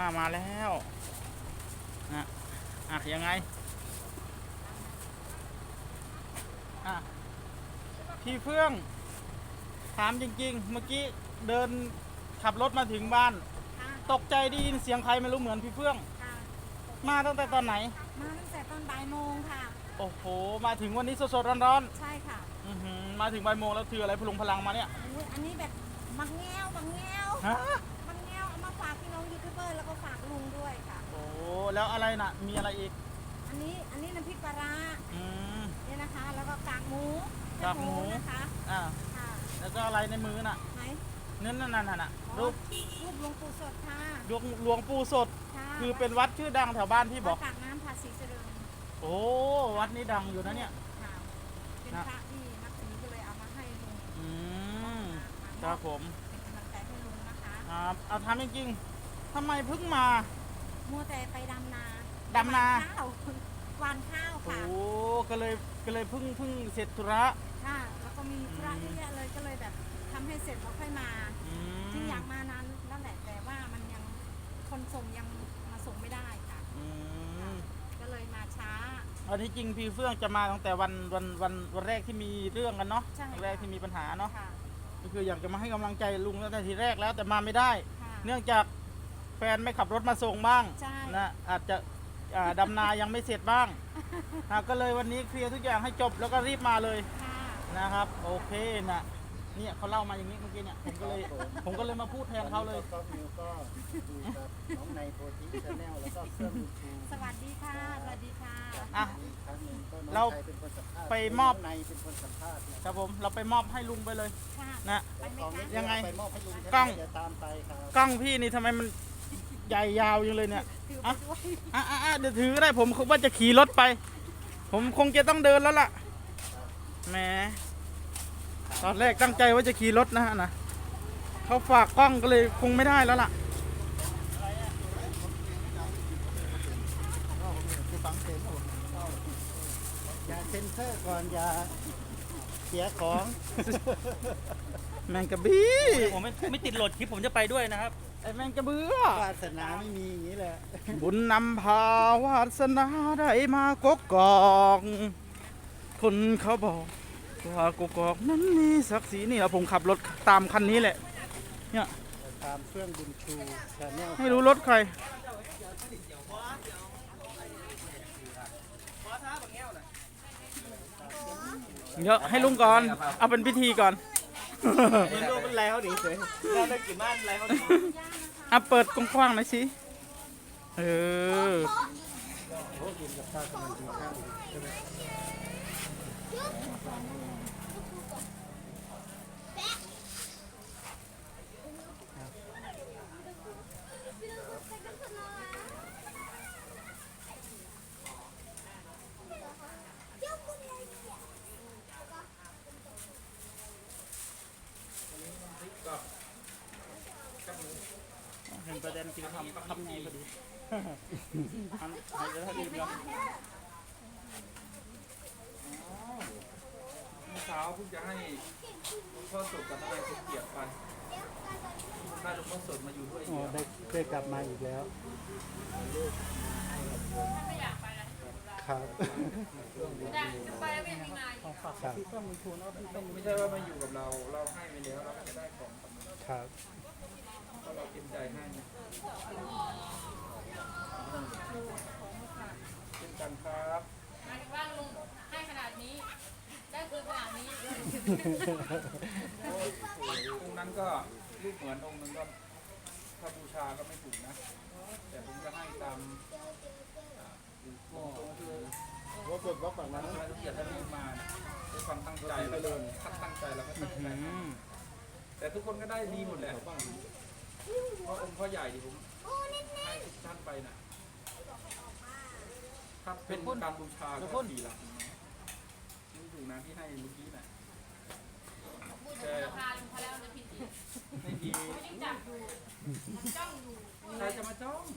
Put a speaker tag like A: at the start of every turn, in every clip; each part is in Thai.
A: มาแล้วนะยังไงพี่เฟื่องถามจริงๆเมื่อกี้เดินขับรถมาถึงบ้านตกใจได้ยินเสียงใครไม่รู้เหมือนพี่เฟื่องมาตั้งแต่ตอนไหน
B: มาตั้งแต่ตอนบ่ายโมงค่ะ
A: โอ้โหมาถึงวันนี้สดๆร้อน
B: ๆใช่ค่ะ
A: มาถึงบ่ายโมงแล้วถืออะไรพลุงพลังมาเนี่ย
B: อันนี้แบบมังแง้วมังแง้วเอามาฝากพี่น้องยูทูบเบอร์แล้วก็ฝากลุงด้วยค่ะ
A: โอ้แล้วอะไรน่ะมีอะไรอีก
B: อันนี้น้ำพริกปลาร้าเนี่ยนะคะแล้วก็กากหมูนะคะ
A: ค่ะแล้วก็อะไรในมือน่ะ
B: ไหน
A: นั่นน่ะรูป
B: หลวงปู่สดค่ะ
A: หลวงปู่สดคือเป็นวัดชื่อดังแถวบ้านที่บอก
B: ปากน้ำภาษีเจริญ
A: โอ้วัดนี้ดังอยู่นะเนี่ย
B: เป็นพระที่นับถือก็เลยเอามาให้ลุง
A: ครับผม
B: เป็นกำลังใจให้ลุงนะคะ
A: ครับเอาทำจริงๆทำไมเพิ่งมา
B: มัวแต่ไปดำนาข้าวหวานข้าวค่ะ
A: โอ้ก็เลยเพิ่งเสร็จธุระ
B: ค่ะแล้วก็มีธุระเยอะแยะเลยก็เลยแบบทำให้เสร็จแล้วค่อยมาที่อยากมานานแล้วแหละแต่ว่ามันยังคนส่งยังมาส่งไม่ได้ค่ะก็เลยมาช้า
A: อันที่จริงพี่เฟื่องจะมาตั้งแต่วันแรกที่มีเรื่องกันเนาะวันแรกที่มีปัญหาเนาะก็คืออยากจะมาให้กำลังใจลุงตั้งแต่ทีแรกแล้วแต่มาไม่ได้เนื่องจากแฟนไม่ขับรถมาส่งบ้างนะอาจจะดำนายังไม่เสร็จบ้างก็เลยวันนี้เคลียร์ทุกอย่างให้จบแล้วก็รีบมาเลยนะครับโอเคนะเนี่ยเขาเล่ามาอย่างนี้เมื่อกี้เนี่ยผมก็เลยมาพูดแทนเขาเลย
C: ก็มิวก็ดูกับน้องในโพธิชาแนลแล้วก็เพื่อนลูกชู
B: สวัสดีค่ะสวัสดีค่ะ
A: เราไปมอบ
C: ในเป็นคนสัมภาษณ์
A: ครับผมเราไปมอบให้ลุงไปเลยนะยังไง
C: กล้
A: องพี่นี่ทำไมมันใหญ่ยาวยังเลยเนี่ยเดี๋ยวถือก็ได้ผมว่าจะขี่รถไปผมคงจะต้องเดินแล้วล่ะแหมตอนแรกตั้งใจว่าจะขี่รถนะเขาฝากกล้องก็เลยคงไม่ได้แล้วล่ะ
C: อย่าเซ็นเซอร์ก่อนอย่าเสียของ
A: แมงกะบี้
D: ผมไม่ติดโหลดคลิปผมจะไปด้วยนะครับ
A: ไอ้แมงกะเบื้อ
C: วาสนาไม่มีอย่างนี้แหละ
A: บุญนำพาวาสนาได้มากกอกคนเขาบอกว่ากกอกนั้นมีศักดิ์ศรีนี่เราผมขับรถตามคันนี้แหละเนี่ย
C: ตามเครื่องบุญชูชาแนล
A: ไม่รู้รถใครเดี๋ยวให้ลุงก่อนเอาเป็นพิธีก่อน
D: ลูกเป็นไรเขาดีเฉยเราได้กี่บ้านไรเขาดี
A: เปิดกว้างๆหน่อยสิเห็นประเด็นกินทำดีพอดีจะถ้าดีแล้ว
E: เมื่อเช้าเพิ่งจะให้หลวงพ่อสดกับทนายสมเกียรติไปได้หลวงพ่อสดมาอยู่ด้วย
C: ได้กลับมาอีกแล้วครับ
E: ไม่ใช่ว่ามาอยู่กับเราให้ไปแล้วเราจะได้ของ
C: ครับ
E: ก็เราเต็มใจให้เป็นกันครับ
F: หมายถึงว่าลุงให้ขนาดนี้ได้คืนขนาดนี้
E: องค์นั้นก็รูปเหมือนองค์นึงก็ถ้าบูชาก็ไม่ถูกนะแต่ผมจะให้ตาม
C: ว่าเปิดบล็อกแบบนั้น
E: ละเอียดให้มาด้วยความตั้งใจแล้วเลยตั้งใจแล้วก็ตั้งใจแต่ทุกคนก็ได้ดีหมดแหละเพราะองค์พ่อใหญ่ที่ผมให้ทุกท่านไปนะถ้าเป็นการบูชาก็ดีละนี่ถูกนะที่ให้เมื่อกี้น่ะ
F: แต่ราคาลุงพอแล้วจะผิดอีก
E: ไม่ดี
F: ไม่ได้จับอยู่จ้องอยู่
E: ใครจะมาจ้อง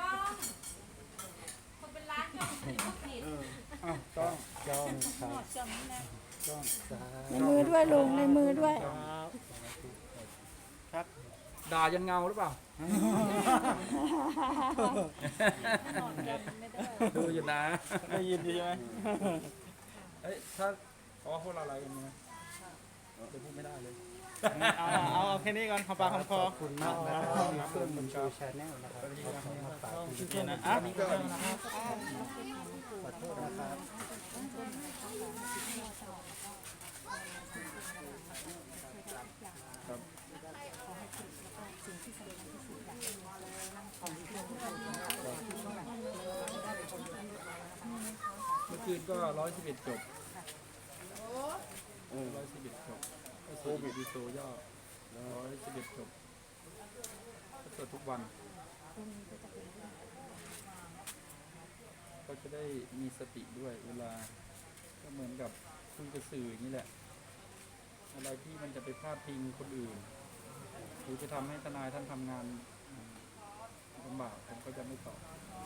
F: คนเป็นร้านจ้องผิดก็ผิด
C: จ้องครับจ้อง
B: ในมือด้วยลุงในมือด้วย
E: ครับด่ายันเงาหรือเปล่าดูอยู่นะ
A: ได้ยินดีใช่ไหม
E: เอ้ยถ้าพวกเราอะไรกันนะจะพูดไม่ได้เลย
A: เอาแค่นี้ก่อนขอปากคำคอ
C: ขอบคุณมากนะครับที่เพื่อนบุญชูชาแนลนะครับมาฝากคุณผู้ชม
A: นะ
C: นะ
A: อ่ะ
C: ขอโทษนะครับ
E: เมื่อคืนก็111จบ111จบโควิดดีโซย่อ111จบก็สวดทุกวันก็จะได้มีสติด้วยเวลาก็เหมือนกับคุยกับสื่ออย่างนี้แหละ อะไรที่มันจะไปพาดพิงคนอื่นหรือจะทำให้ทนายท่านทำงานลำบากผมก็จะไม่ตอบ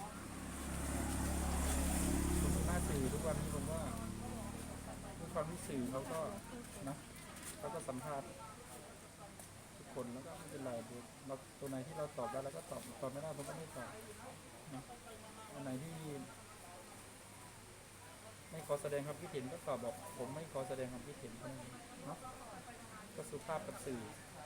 E: ผมดูหน้าสื่อทุกวันนี้ผมว่าทุกความที่สื่อเขาก็นะเขาก็สัมภาษณ์ทุกคนแล้วก็ไม่เป็นไรเราตัวไหนที่เราตอบได้แล้วก็ตอบไม่ได้ผมก็ไม่ตอบนะอันไหนที่ไม่ขอแสดงความคิดเห็นก็ตอบบอกผมไม่ขอแสดงความคิดเห็นเท่านั้นเนาะก็สุภาพกับสื่อ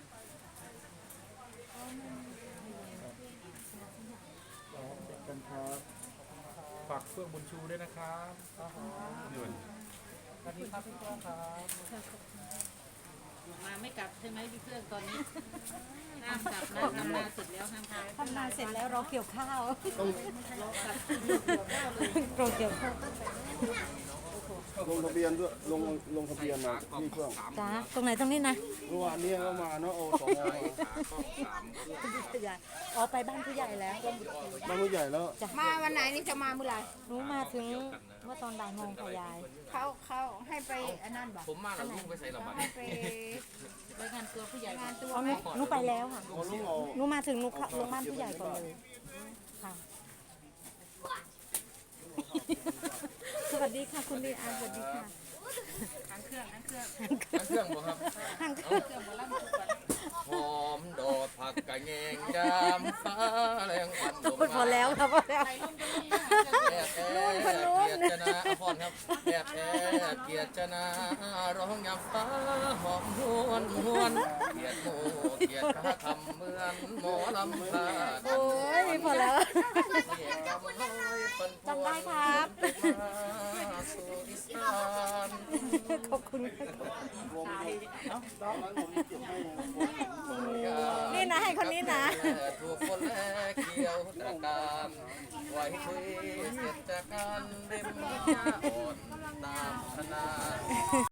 E: เด็กกันครับฝากเฟื่องบุญชูด้วยนะครับสวัสดีครับพี่เฟื่องครับ
F: มาไม่กลับใช่ไหมพี่เพื่อนตอนนี้ห้ามกลับนะทำนาเสร็จแล้วห้ามกลับ
B: ทำนาเสร็จแล้วรอเกี่ยวข้าวรอเกี่ยวข้าว
G: ลงทะเบียนด้วยลงทะเบียนมาที่เครื่อง
B: จ้าตรงไหนตรงนี้นะ
G: เมื่อวานนี้ก็มาเนาะโอสมมา
B: ผู้ใหญ่อ๋อไปบ้านผู้ใหญ่แล้ว
G: บ้านผู้ใหญ่แล้ว
H: มาวันไหนนี่จะมาเมื่อไหร่
B: หนูมาถึงเมื่อตอนบ่ายโมงค่ะยาย
H: เขาให้ไปอันนั้นบอก
D: ผมมาแล้วลุงไปใส่ระบาด
H: ให้ไป
F: รายงานตัวผู้ใหญ่
H: งานตัว
B: อ๋อ
H: ไหม
B: หนูไปแล้วค่ะ
G: พอลุงเอา
B: หนูมาถึงหนูเข้าลงบ้านผู้ใหญ่ก่อนเลยค่ะ สวัสดีค่ะคุณลีอาสวัสดีค่ะ
F: ทางเครื่อง
D: เครื่องบ่ครับ
B: ทาง
F: เครื่องหมอลำทุกวัน
D: หอมดอกผักกะแยงยามฟ้าแรงวันลง
B: พอแล้วค่ะพอแล้ว
F: ใครลงตรงนี้
D: แอบแอบเกียรตินาพรครับแอบแอบเกียรตินาร้องยามฟ้าหอมหวนหวนเกียรติโมเกียรติข้าคำเหมือนหมอลำพา
B: โอ้ยพอแล้ว
D: จำได้ครับสู่อีสาน
B: ขอบคุณค่ะ
G: ตอนนั้นผมเก็บให้
B: นี่นะให้คนนี้นะ
D: ถูกคนแลเกี่ยวตะการไว้คุยเสร็จจากการเล่มยาอ่อนตามธนา